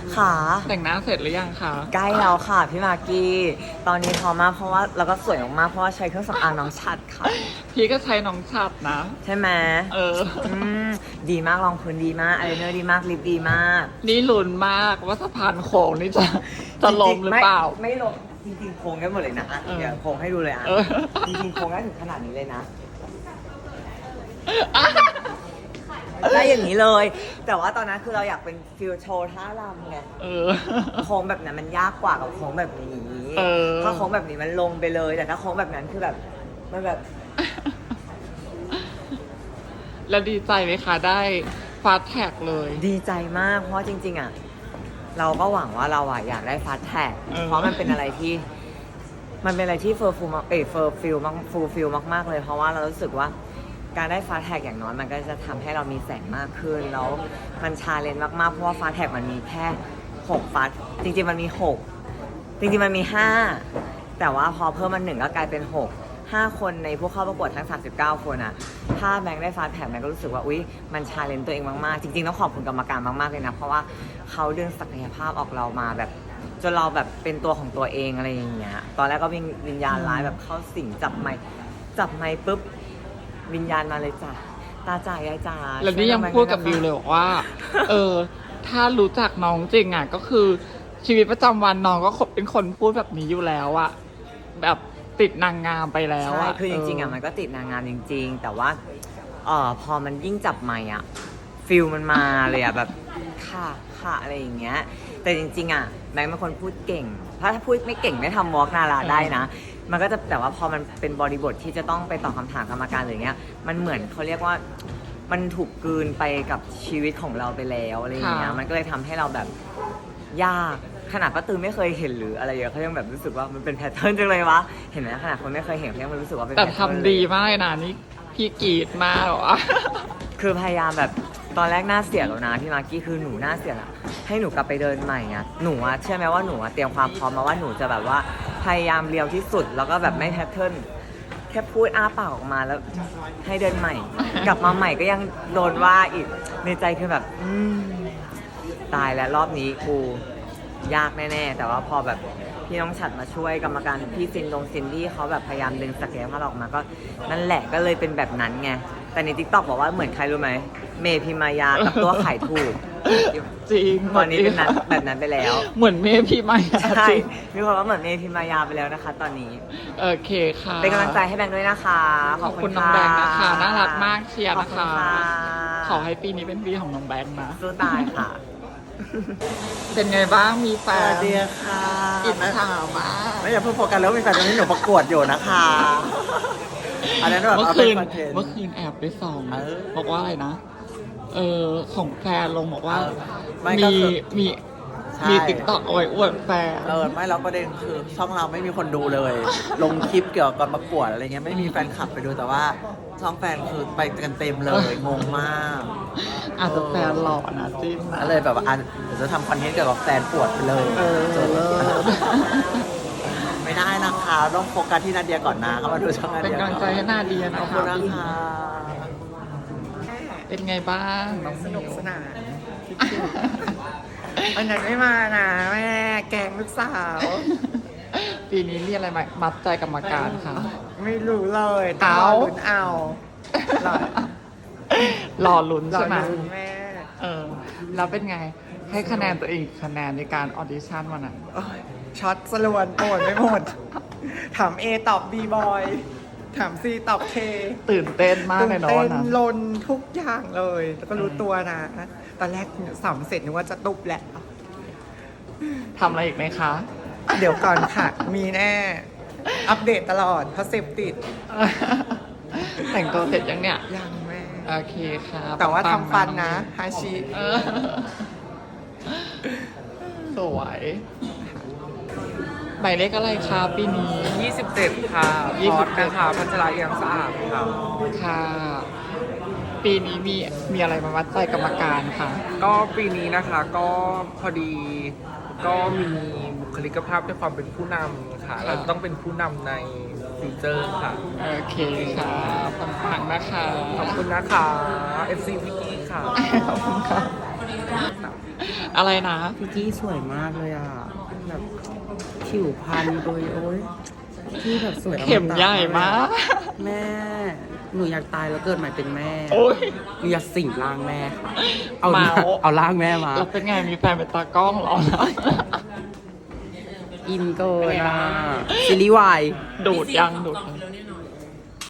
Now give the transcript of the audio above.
ค่ะแต่งหน้าเสร็จหรือยังคะใกล้แล้วค่ะพี่มากกี้ตอนนี้พร้อมมากเพราะว่าแล้วก็สวยมากๆเพราะว่าใช้เครื่องสำอางน้องชัดค่ะพี่ก็ใช้น้องฉัดนะใช่ไหมเออมดีมากรองพื้นดีมากอายไลเนอร์ดีมากลิปดีมากนี่ลุ้นมากว่าสะพานโค้งนี่จะลงหรือเปล่าไม่ลงจริงๆโค้งได้หมดเลยนะเออเดี๋ยวโค้งให้ดูเลยอ่ะเออจริงๆโค้งได้ถึงขนาดนี้เลยนะได้อย่างนี้เลย แต่ว่าตอนนั้นคือเราอยากเป็นฟิลโชว์ท่ารำไงเออโค้งแบบนั้นมันยากกว่ากับโค้งแบบนี้เออถ้าโค้งแบบนี้มันลงไปเลย แต่ถ้าโค้งแบบนั้นคือแบบมันแบบแล้วดีใจไหมคะได้ฟาสแท็กเลยดีใจมากเพราะว่าจริงๆอ่ะเราก็หวังว่าเราอ่ะอยากได้ฟาสแท็กเออเพราะมันเป็นอะไรที่เฟอร์ฟูลมากเฟอร์ฟิลมากฟูลฟิลมากๆเลย เพราะว่าเรารู้สึกว่าการได้ฟาสแท็กอย่างน้อยมันก็จะทำให้เรามีแสงมากขึ้นแล้วมันชาเลนจ์มากๆเพราะว่าฟาสแท็กมันมีแค่6ฟาสจริงๆมันมี6จริงๆมันมี5แต่ว่าพอเพิ่มมัน1ก็กลายเป็น5คนในผู้เข้าประกวดทั้ง39คนอ่ะถ้าแบงค์ได้ฟาสแท็กแบงค์ก็รู้สึกว่าอุ๊ยมันชาเลนจ์ตัวเองมากๆจริงๆต้องขอบคุณกรรมการมากๆเลยนะเพราะว่าเขาดึงศักยภาพออกเรามาแบบจนเราแบบเป็นตัวของตัวเองอะไรอย่างเงี้ยตอนแรกก็วิญญาณร้ายแบบเข้าสิงจับไมค์ปุ๊บวิญญาณมาเลยจ้ะตาจ่ายายจ๋าแล้วนี่ยังพูดกับบิวเลยบอกว่า เออ ถ้ารู้จักน้องจริงอ่ะ ก็คือชีวิตประจำวันน้องก็เป็นคนพูดแบบนี้อยู่แล้วอะแบบติดนางงามไปแล้วใช่อะคือจริงๆอ่ะมันก็ติดนางงามจริง ๆ แต่ว่าพอมันยิ่งจับไมค์อ่ะฟิลมันมาเลยอ่ะแบบค่ะอะไรอย่างเงี้ยแต่จริงๆอ่ะแบงค์เป็นคนพูดเก่งถ้าพูดไม่เก่งไม่ทำวอล์กนาราได้นะ มันก็จะแต่ว่าพอมันเป็นบริบทที่จะต้องไปตอบคำถามกรรมการหรือเงี้ยมันเหมือนเขาเรียกว่ามันถูกกลืนไปกับชีวิตของเราไปแล้วอะไรอย่างเงี้ยมันก็เลยทำให้เราแบบยากขนาดป้าตือไม่เคยเห็นหรืออะไรอย่างเงี้ยเขายังแบบรู้สึกว่ามันเป็นแพทเทิร์นจังเลยวะเห็นไหมขนาดคนไม่เคยเห็นเขายังรู้สึกว่าเป็นแต่แพทเทิร์นทำดีมากเลยนะนี่พี่กรีดมากหรอคือพยายามแบบตอนแรกหน้าเสียแล้วนะพี่มากกี้คือหนูหน้าเสียละให้หนูกลับไปเดินใหม่อ่ะหนูอะเชื่อไหมว่าหนูอะเตรียมความพร้อมมาว่าหนูจะแบบว่าพยายามเรียวที่สุดแล้วก็แบบไม่แพทเทิร์นแค่พูดอ้าปากออกมาแล้วให้เดินใหม่ กลับมาใหม่ก็ยังโดนว่าอีกในใจคือแบบตายแล้วรอบนี้กูยากแน่ๆแต่ว่าพอแบบพี่น้องฉัดมาช่วยกรรมการพี่ซินดี้เขาแบบพยายามดึงศักยภาพออกมาก็นั่นแหละก็เลยเป็นแบบนั้นไงแต่ใน TikTok บอกว่าเหมือนใครรู้ไหมเมพิมายากับตัวไข่ถูกจริงตอนนี้เป็นนั้นแบบนั้นไปแล้วเหมือนเมพี่ไม่ใช่จริงมีคนว่าเหมือนเมพิมายาไปแล้วนะคะ ตอนนี้โอเคค่ะเป็นกำลังใจให้แบงค์ด้วยนะคะขอบคุณน้องแบงค์นะคะ น่ารักมากเชียร์ขอบนะคุณคะค่ะขอให้ปีนี้เป็นปีของน้องแบงค์นะสู้ตายค่ะเป็นไงบ้างมีแฟสวัน สดีค่ะอิจฉามากไม่อย่าเพิ่งโฟกัสแล้วมีแฟนตอนนี้หนูประกวดอยู่นะคะ อันนั้นแบบเมื่อเอาคืเป็นนคอนเทนต์เมื่อคืนแอบไปส่องเออบอกว่าอะไรนะ ของแฟนลงบอกว่าไม่ก็มีคือมีใช่มีติ๊กต็อกเอาไว้อวดแฟนไม่แล้วประเด็นคือช่องเราไม่มีคนดูเลย ลงคลิปเกี่ยวกับการประกวดอะไรเงี้ยไม่มีแฟนคลับไปดูแต่ว่าช่องแฟนคือไปกันเต็มเลยงงมากอาจจะแฟนหล่อนะจิ้นนะก็เลยแบบว่าเดี๋ยวจะทำคอนเทนต์เกี่ยวกับแฟนปวดไปเลยเออจบไม่ได้นะคะต้องโฟกัสที่นาเดียก่อนนะเข้ามาดูช่องนาเป็นเดียกำลังใจให้นาเดียขนะอบคุคะณนะคะเป็นไงบ้างน้องสนุกมิวสนานวันนั้นไม่มานะแม่แกงลูกสาวปีนี้มีอะไรมามัดใจกรรมการคะไม่รู้เลยต้องรอลุ้นเอารอรอลุ้นรอใช่ไหมลุ้นแม่แล้วเป็นไง ให้คะแนนตัวเองอีกคะแนนในการออดิชั่นวันนั้นโอ๊ยช็อตสลวนโอดไม่หมด ถาม A ตอบ B บอยถาม C ตอบ K ตื่นเต้นมากตื่เลยนเนาะเต้วัน นนั้นลนทุกอย่างเลย แล้วก็รู้ตัวนะ ตอนแรกสำเสร็จนึกว่าจะตุบแหละทำอะไรอีกไหมคะเดี๋ยวก่อนค่ะ มีแน่ อัปเดตตลอดเพราะเสพติดแต่งตัวเสร็จยังเนี่ยยังแม่โอเคค่ะแต่ว่าปังทำๆฟันนะฮาชิเออสวยหมายเลขอะไรคะปีนี้ 27 ค่ะ 27 พอดนะคะพัชราเอียงสะอาดค่ะค่ะ ปีนี้มีอะไรมาวัดใจกรรมการค่ะก็ปีนี้นะคะก็พอดีก็มีบุคลิกภาพด้วยความเป็นผู้นำค่ะ เราต้องเป็นผู้นำในฟิวเจอร์ค่ะโอเคค่ะปังๆนะคะขอบคุณนะคะ FC พิกกี้ค่ะขอบคุณค่ะอะไรนะพี่กี้สวยมากเลยอ่ะ แบบผิวพรรณโดยโอ้ยที่แบบสวยอตะเข็มใหญ่มากแม่ หนูอยากตายแล้วเกิดใหม่เป็นแม่โอ้ยหนูอยากสิงร่างแม่ค่ะ เอาเมาเอาร่างแม่มาแล้วเป็นไงมีแฟนเป็นตากล้องเหรออินเกินอ่ะซีรีส์วายดูดยังดูดยัง